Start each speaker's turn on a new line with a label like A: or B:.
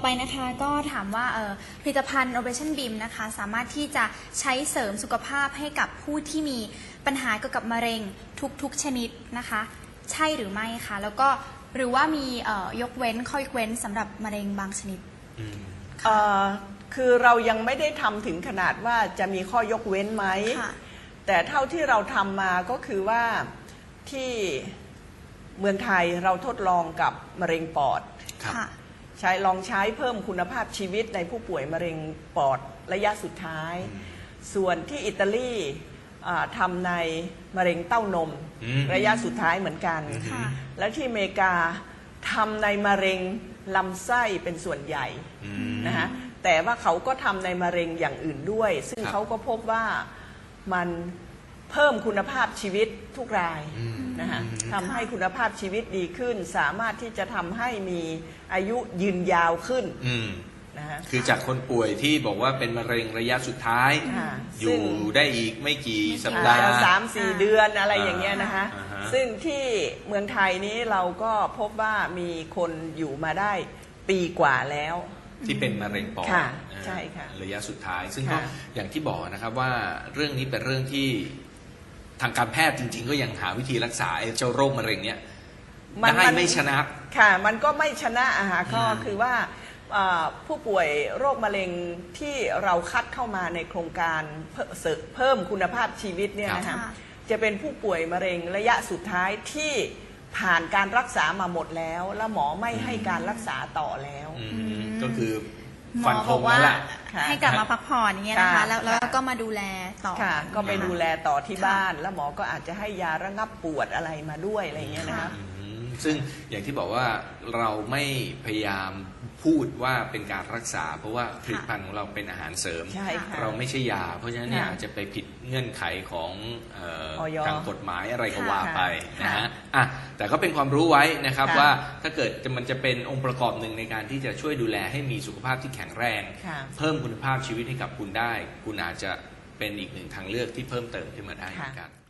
A: ไปนะคะก็ถามว่าผลิตภัณฑ์ Operation Beam นะคะสามารถที่จะใช้เสริมสุขภาพให้กับผู้ที่มีปัญหาเกี่ยวกับมะเร็งทุกชนิดนะคะใช่หรือไม่คะแล้วก็หรือว่ามียกเว้นข้อยกเว้นสำหรับมะเร็งบางชนิด
B: คือเรายังไม่ได้ทำถึงขนาดว่าจะมีข้อยกเว้นไหมแต่เท่าที่เราทำมาก็คือว่าที่เมืองไทยเราทดลองกับมะเร็งปอดลองใช้เพิ่มคุณภาพชีวิตในผู้ป่วยมะเร็งปอดระยะสุดท้ายส่วนที่อิตาลีทำในมะเร็งเต้านมระยะสุดท้ายเหมือนกันและที่อเมริกาทำในมะเร็งลำไส้เป็นส่วนใหญ่นะฮะแต่ว่าเขาก็ทำในมะเร็งอย่างอื่นด้วยซึ่งเขาก็พบว่ามันเพิ่มคุณภาพชีวิตทุกรายนะฮะทำให้คุณภาพชีวิตดีขึ้นสามารถที่จะทำให้มีอายุยืนยาวขึ้นนะฮะ
C: คือจากคนป่วยที่บอกว่าเป็นมะเร็งระยะสุดท้ายอยู่ได้อีกไม่กี่สัปดาห์
B: 3-4 เดือนอะไรอย่างเงี้ยนะคะซึ่งที่เมืองไทยนี้เราก็พบว่ามีคนอยู่มาได้ปีกว่าแล้ว
C: ที่เป็นมะเร็งปอด
B: ใช่ค่ะ
C: ระยะสุดท้ายซึ่งก็อย่างที่บอกนะครับว่าเรื่องนี้เป็นเรื่องที่ทางการแพทย์จริงๆก็ยังหาวิธีรักษาเจ้าโรคมะเร็งเนี้ยไม่ชนะ
B: ค่ะมันก็ไม่ชนะก็คือว่าผู้ป่วยโรคมะเร็งที่เราคัดเข้ามาในโครงการเพิ่มคุณภาพชีวิตเนี่ยนะคะจะเป็นผู้ป่วยมะเร็งระยะสุดท้ายที่ผ่านการรักษามาหมดแล้วแล้วหมอไม่ให้การรักษาต่อแล้ว
C: ก็คือ
A: ฟันธงว่าให้กลับมาพักผ่อนอย่างเงี้ยนะคะแล้วก็มาดูแลต่อ
B: ก็ไปดูแลต่อที่บ้านแล้วหมอก็อาจจะให้ยาระงับปวดอะไรมาด้วยอะไรเงี้ยนะคะ
C: ซึ่งอย่างที่บอกว่าเราไม่พยายามพูดว่าเป็นการรักษาเพราะว่าผลิตภัณฑ์ของเราเป็นอาหารเสริมเราไม่ใช่ยาเพราะฉะนั้นเนี่ยอาจจะไปผิดเงื่อนไขของทางกฎหมายอะไรก็ว่าไปนะฮะแต่ก็เป็นความรู้ไว้นะครับว่าถ้าเกิดมันจะเป็นองค์ประกอบหนึ่งในการที่จะช่วยดูแลให้มีสุขภาพที่แข็งแรงเพิ่มคุณภาพชีวิตให้กับคุณได้คุณอาจจะเป็นอีกหนึ่งทางเลือกที่เพิ่มเติมขึ้นมาได้เหมือนกัน